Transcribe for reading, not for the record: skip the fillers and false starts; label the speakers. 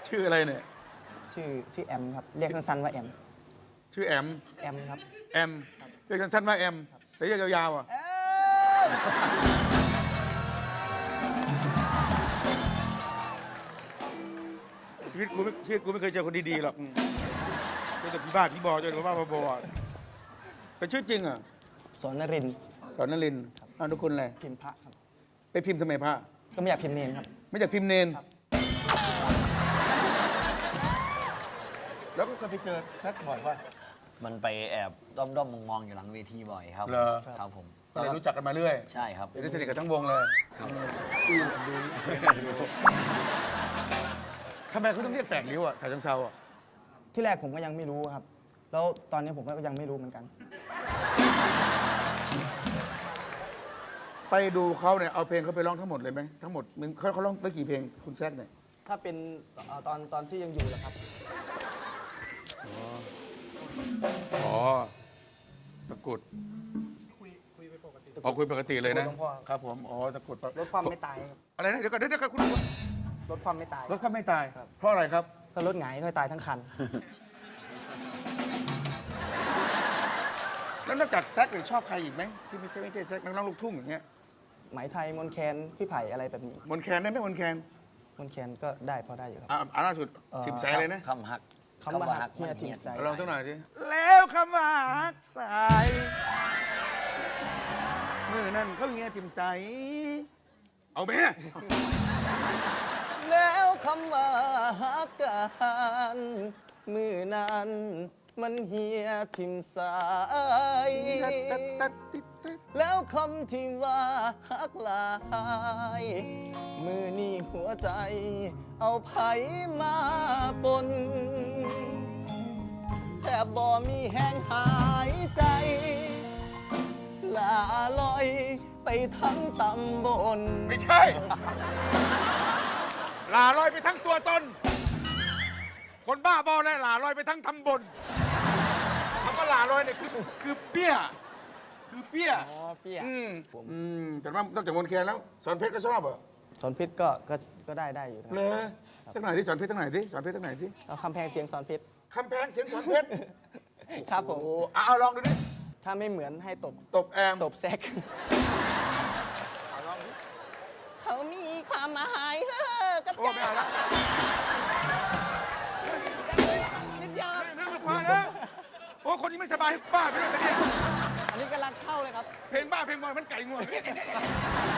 Speaker 1: ชื่ออะไรเนี่ย
Speaker 2: ชื่อแอมครับเรียกสั้นๆว่าแอม
Speaker 1: ชื่อแอม
Speaker 2: ครับ
Speaker 1: แอมเรียกสั้นๆว่าแอมแต่เรียกยาวๆอ่ะชีวิตกูไม่เคยเจอคนดีๆหรอกเจอแต่ผีบ้าผีบอเจอแต่บ้าบอเป็นชื่อจริงอ่ะ
Speaker 2: สอนนรินทร์
Speaker 1: สอนนรินทร์นามสกุลอะไร
Speaker 2: พิมพ์พระครับ
Speaker 1: ไปพิมพ์ทำไมพระ
Speaker 2: ก็ไม่อยากพิมพ์เนรครับ
Speaker 1: ไม่อยากพิมพ์เนนแล้วก็เคยไปเจอแซกบ่อยป่ะ
Speaker 3: มันไปแอบด้อมมองอยู่หลังเวทีบ่อยครับ
Speaker 1: เหรอ
Speaker 3: ครับผม
Speaker 1: ก็เลยรู้จักกันมาเรื่อย
Speaker 3: ใช่ครับ
Speaker 1: ได้สนิทกับทั้งวงเลยทำไมเขาต้องเรียกแปลกริ้วอ่ะฉะเชิงเทราอ่ะ
Speaker 2: ที่แรกผมก็ยังไม่รู้ครับแล้วตอนนี้ผมก็ยังไม่รู้เหมือนกัน
Speaker 1: ไปดูเขาเนี่ยเอาเพลงเขาไปร้องทั้งหมดเลยไหมทั้งหมดเขาร้องไปกี่เพลงคุณแซกเนี่ย
Speaker 2: ถ้าเป็นตอนที่ยังอยู่เหรอครับ
Speaker 1: อ๋อตะกุดคุยไปปกติคุยปกติเลยนะครับผมอ๋อตะกุด
Speaker 2: ลดความไม่ตายครับ
Speaker 1: อะไรนะเดี๋ยวก่อนคุณ
Speaker 2: ลดความไม่ตาย
Speaker 1: ลดความไม่ตายเพราะอะไรครับ
Speaker 2: ถ้าลดหงายก็ตายทั้งคัน
Speaker 1: แล้วนอกจากแซกชอบใครอีกไหมที่ไม่ใช่แซกนักร้องลูกทุ่งอย่างเงี้ย
Speaker 2: ไหมไทยมนแคนพี่ไผ่อะไรแบบนี้
Speaker 1: มนแคนได้ไหมมนแคน
Speaker 2: ก็ได้พอได้อยู่ครับ
Speaker 1: ล่าสุดทิมไซเลยนะ
Speaker 3: คำฮัก
Speaker 2: เฮียทิมไซ
Speaker 1: ลองสักหน่อยสิแล้วคำว่าฮักไซเมื่อนั้นเขาเฮียทิมไซเอาไหม
Speaker 2: แล้วคำว่าฮักกันมือนั้นมันเฮียทิมสายแล้วคำที่ว่าฮักลายมือนี่หัวใจเอาไผมาปนแทบบ่มีแห้งหายใจลาลอยไปทั้งตำบล
Speaker 1: ไม่ใช่ลาลอยไปทั้งตัวตนคนบ้าบอเลยลาลอยไปทั้งตำบลคำว่าลาลอยเนี่ยคือเปี้ย
Speaker 2: อ๋อเปี้ย
Speaker 1: แต่ว่านอกจากมนแคนแล้วสอนเพชรก็ชอบเหรอ
Speaker 2: สอนเพชรก็ได้อยู่นะ
Speaker 1: เลยสักหน่อยที่สอนเพชรสักหน่อยที่สอนเพชรสักหน่อยที่
Speaker 2: เอาคำแพงเสียงสอนเพชร
Speaker 1: คำแพงเสียงสอนเพชร
Speaker 2: ครับผม
Speaker 1: เอาลองดูดิ
Speaker 2: ถ้าไม่เหมือนให้ตบ
Speaker 1: แอม
Speaker 2: ตบแซก
Speaker 1: ลองดิ
Speaker 2: เขามีความหมายกับ
Speaker 1: โอ้ไม่เอาละ
Speaker 2: นิดเดียว
Speaker 1: นั่นพอแล้วโอ้คนนี้ไม่สบายบ้าไปด้วยสิเนี่ย
Speaker 2: อันนี้กำลังเข้าเลยครับ
Speaker 1: เพลงบ้าเพลงบอยมันไก่งวง